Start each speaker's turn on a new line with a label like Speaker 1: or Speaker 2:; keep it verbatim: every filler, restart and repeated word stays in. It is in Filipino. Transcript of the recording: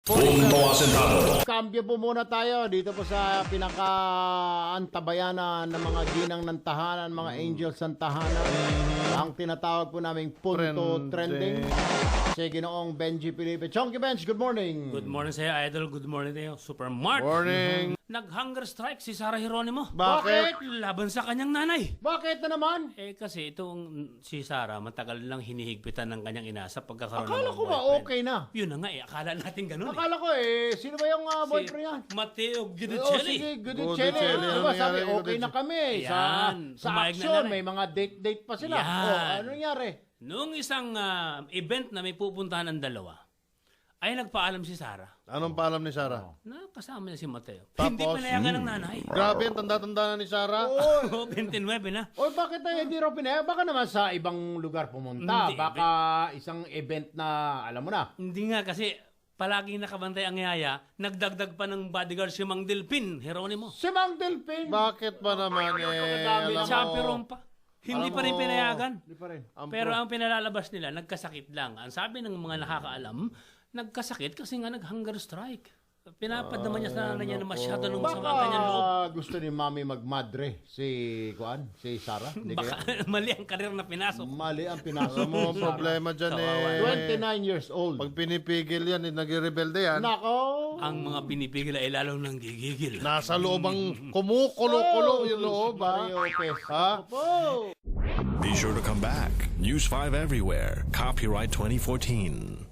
Speaker 1: Punto Asentado.
Speaker 2: Kambyo po muna tayo dito po sa pinaka-antabayanan ng mga ginang ng tahanan, mga angels ng tahanan. Ang tinatawag po naming Punto Trending. Si Ginoong Benji Felipe. Chonky Bench, good morning.
Speaker 3: Good morning sa'yo, Idol. Good morning sa'yo, Super Mark.
Speaker 4: Morning.
Speaker 3: Nag-hunger strike si Sarah Geronimo.
Speaker 2: Bakit?
Speaker 3: Laban sa kanyang nanay.
Speaker 2: Bakit na naman?
Speaker 3: Eh kasi itong si Sarah, matagal lang hinihigpitan ng kanyang ina sa pagkakaroon
Speaker 2: Akala
Speaker 3: ng
Speaker 2: ko ba
Speaker 3: boyfriend.
Speaker 2: okay na?
Speaker 3: Yun na nga eh, akala natin ganun eh.
Speaker 2: Akala ko eh, sino ba yung uh,
Speaker 3: Si
Speaker 2: boyfriend yan?
Speaker 3: Matteo
Speaker 2: Oh,
Speaker 3: Guidicelli.
Speaker 2: sige, good
Speaker 4: Gudicelli.
Speaker 2: Diba,
Speaker 4: Ano
Speaker 2: sabi,
Speaker 4: nangyari,
Speaker 2: okay na kami. Sa,
Speaker 3: Yan.
Speaker 2: sa
Speaker 3: Pumayag na
Speaker 2: action,
Speaker 3: nanay.
Speaker 2: may mga date-date pa sila.
Speaker 3: Yan.
Speaker 2: Oh, ano nangyari?
Speaker 3: Noong isang ah, event na may pupuntahan ng dalawa, ay nagpaalam si Sarah
Speaker 4: Anong paalam ni Sarah?
Speaker 3: na kasama niya si Matteo.
Speaker 4: Tapos?
Speaker 3: Hindi pinayagan ng nanay.
Speaker 4: Grabe, ang tanda-tanda na ni Sarah.
Speaker 3: Oh, twenty-nine na.
Speaker 2: Oy, bakit tayo hindi raw pinaya? Baka naman sa ibang lugar pumunta.
Speaker 3: Hindi.
Speaker 2: Baka isang event na, alam mo na.
Speaker 3: Hindi nga kasi palaging nakabantay ang yaya, nagdagdag pa ng bodyguard si Mang Delpin, Geronimo.
Speaker 2: Si Mang Delpin.
Speaker 4: Bakit ba naman eh?
Speaker 2: Dami
Speaker 4: Alam
Speaker 2: ng
Speaker 4: mo,
Speaker 3: Chaperon pa. Hindi
Speaker 4: Alam
Speaker 3: pa rin
Speaker 4: mo,
Speaker 3: pinayagan.
Speaker 2: Hindi pa rin.
Speaker 4: ang
Speaker 3: Pero
Speaker 4: pro-
Speaker 3: ang pinalalabas nila, nagkasakit lang. Ang sabi ng mga nakakaalam, nagkasakit kasi nga nag-hunger strike. Pinapadama niya sa nanay niya na masyado nung masama ang kanyang loob.
Speaker 2: Baka gusto ni Mami magmadre si Kuan, si Sarah. Hindi kaya?
Speaker 3: Baka mali ang karir na pinasok.
Speaker 2: Mali ang pinasok
Speaker 4: Alam mo,
Speaker 2: mo.
Speaker 4: ang problema dyan
Speaker 3: Kawawa.
Speaker 4: eh.
Speaker 2: twenty-nine years old.
Speaker 4: Pag pinipigil yan, eh, nagre-rebelde yan.
Speaker 2: Nako.
Speaker 3: Ang mga pinipigil ay lalong nang gigigil.
Speaker 4: Nasa loob ang kumukulo-kulo yung loob, ha?
Speaker 2: Mario Lopez.
Speaker 4: Ha?
Speaker 2: Opo.
Speaker 1: Be sure to come back. News five everywhere. Copyright twenty fourteen.